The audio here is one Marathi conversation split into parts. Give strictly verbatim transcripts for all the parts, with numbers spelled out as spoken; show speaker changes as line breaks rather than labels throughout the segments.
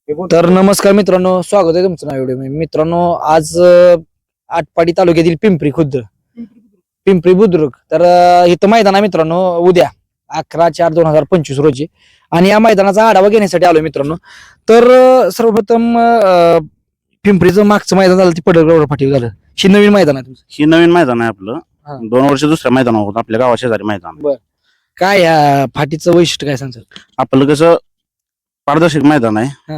तर नमस्कार मित्रांनो, स्वागत आहे तुमचं व्हिडिओ मध्ये. मित्रांनो, आज अं, आटपाडी तालुक्यातील पिंपरी खुर्द पिंपरी बुद्रुक तर अं, इथं मैदान आहे मित्रांनो. उद्या अकरा चार दोन हजार पंचवीस रोजी, आणि या मैदानाचा आढावा घेण्यासाठी आलोय मित्रांनो. तर अं, सर्वप्रथम अं, पिंपरीचं मागचं मैदान झालं ते पडळगड फाटी झालं. ही नवीन मैदान आहे तुमचं.
ही नवीन मैदान आहे
हा.
आपलं. दोन वर्ष दुसऱ्या मैदान होत आपल्या गावा शेजारी मैदान आहे.
काय या फाटीचं वैशिष्ट्य काय सांगतात?
आपलं कसं पारदर्शक मैदान आहे.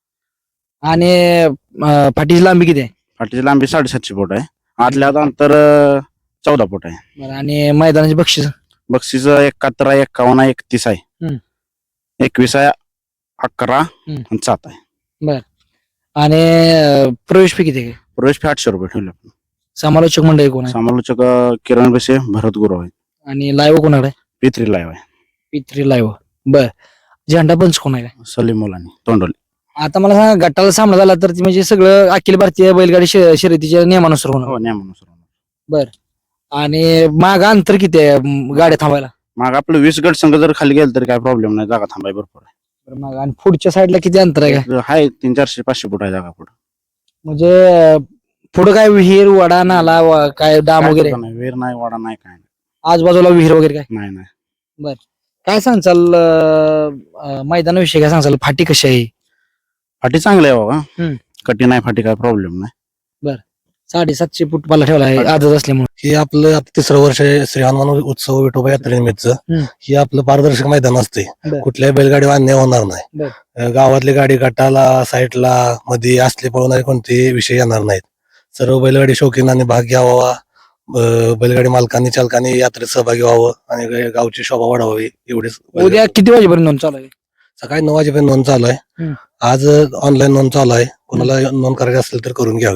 आणि अं, फाटीची लांबी किती आहे?
फाटीची लांबी साडेसातशे फूट आहे. आतल्या आत अंतर अं, चौदा फूट आहे.
बरं, आणि मैदानाची बक्षीस?
बक्षीस एकाहत्तर आहे, एक्कावन्न आहे, एकतीस आहे,
हम्म.
एकवीस आहे, अकरा
हम्म.
आणि सात आहे.
आणि अं, प्रवेश फी किती आहे?
प्रवेश फी आठशे रुपये ठेवले आपण.
समालोचक मंडळी कोण आहे?
समालोचक अं, किरण बसे, भरत गुरु आहे.
आणि लाईव्ह कोणाकडे?
पित्री लाईव्ह आहे.
पित्री लाईव्ह. बर, झेंडा पंच कोण आहे?
सलीम मुलानी तोंडोली.
आता मला सांगा, गटाला सामना झाला तर ती म्हणजे सगळं अखिल भारतीय बैलगाडी शे- शर्यतीच्या नियमानुसार होणार.
हो, नियमानुसार.
आणि माग अंतर किती आहे म, गाड्या थांबायला?
मग आपलं वीस गट संघ जर खाली गेलं तरी काय प्रॉब्लेम नाही, जागा थांबाय भरपूर आहे.
बरं, मागं. आणि पुढच्या साईडला किती अंतर आहे काय?
आहे तीन चारशे पाचशे फूट आहे जागा पुढे.
म्हणजे अं, पुढं काय विहीर, वडा, नाला, वा- काय डाम वगैरे?
वेर नाही, वाडा नाही, काय नाही.
आजूबाजूला विहीर वगैरे काय?
नाही नाही
काय सांगचाल अं, अं, मैदानाविषयी काय सांगचाल? फाटी कशी आहे?
फाटी चांगली आहे बाबा.
हम्म.
कठी नाही फाटी, काय प्रॉब्लेम नाही.
साडेसातशे फूट पाला ठेवला आहे आजच असल्यामुळे.
हे आपलं आता तिसरं वर्ष आहे श्री हनुमान उत्सव विठोबा यात्रेनिमित्त.
हम्म.
हे आपलं पारदर्शक मैदान असते.
बर.
कुठल्याही बैलगाडी अन्याय होणार नाही.
बर.
अं, गावातली गाडी गटाला साईडला मध्ये असले पळवणारे कोणतेही विषय येणार नाहीत. सर्व बैलगाडी शौकीनांनी भाग घ्यावा. अं, बैलगाडी मालकांनी चालकांनी यात्रेत सहभागी व्हावं आणि गा- गावची शोभा वाढवावी एवढेच.
उद्या किती वाजेपर्यंत नोंद चालू आहे?
सकाळी नऊ वाजेपर्यंत नोंद चालू आहे.
हम्म.
आज ऑनलाईन नोंद चालू आहे. कोणाला नोंद करायची असेल तर करून घ्यावी.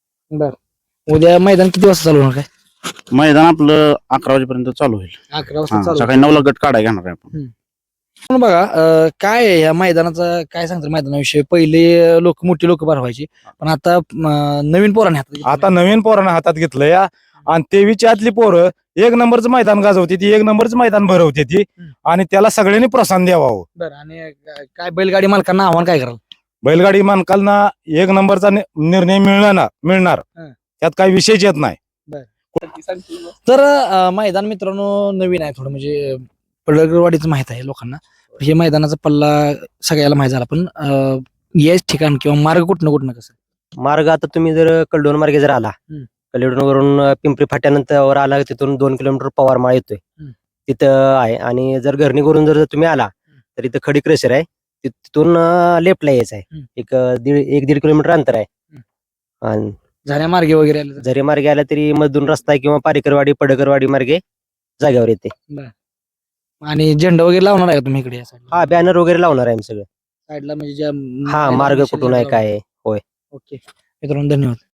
उद्या मैदान किती वाजता चालू होणार? काय
मैदान आपलं अकरा वाजेपर्यंत चालू होईल.
अकरा
हा,
वाजता चालू
सकाळी नऊला गट काढाय घेणार आहे आपण.
पण बघा, अं, काय आहे या मैदानाचं, काय सांगतात मैदानाविषयी? पहिले लोक, मोठी लोक भरवायची, पण आता अं, नवीन पोरांनी हातात घेतलं.
आता नवीन पोरांना हातात घेतलं या, आणि तेवीसच्या आतली पोरं एक नंबरचं मैदान गाजवते ती, एक नंबरचं मैदान भरवते ती, आणि त्याला सगळ्यांनी प्रोत्साहन द्यावं.
बरं, आणि काय बैलगाडी मालकांना आव्हान काय कराल?
बैलगाडी मालकांना एक नंबरचा नि- निर्णय मिळणार ना मिळणार
हं.
त्यात काही विषयच येत नाही.
तर अं, मैदान मित्रांनो नवीन आहे थोडं, म्हणजे पडळगडवाडीचं माहित आहे लोकांना. हे मैदानाचा पल्ला सगळ्याला माहित झाला, पण अं, याच ठिकाण किंवा मार्ग कुठनं कुठनं कसं?
मार्ग आता तुम्ही जर कलडोन मार्गे जर आला,
हम्म.
कलडोन वरून पिंपरी फाट्यानंतर वर आला, तिथून दोन किलोमीटर पवारमाळ येतोय,
हम्म.
तिथं आहे. आणि जर घरणी करून जर तुम्ही आला तर इथं खडी क्रेशर आहे, ति- तिथून लेफ्टला यायचं आहे.
हम्म.
एक अं, दीड एक दीड किलोमीटर अंतर आहे. आणि
झाल्या मार्गे वगैरे आले तर?
जरी मार्गे आला तरी मधून रस्ता आहे, किंवा पारेकरवाडी पडकरवाडी मार्गे जागेवर येते.
आणि झेंडा वगैरे लावणार आहे का तुम्ही इकडे या साईडला?
हा, बॅनर वगैरे लावणार आहे आम्ही सगळं.
साईडला म्हणजे ज्या
हा, मार्ग कुठून आहे काय आहे.
ओके मित्रांनो, धन्यवाद.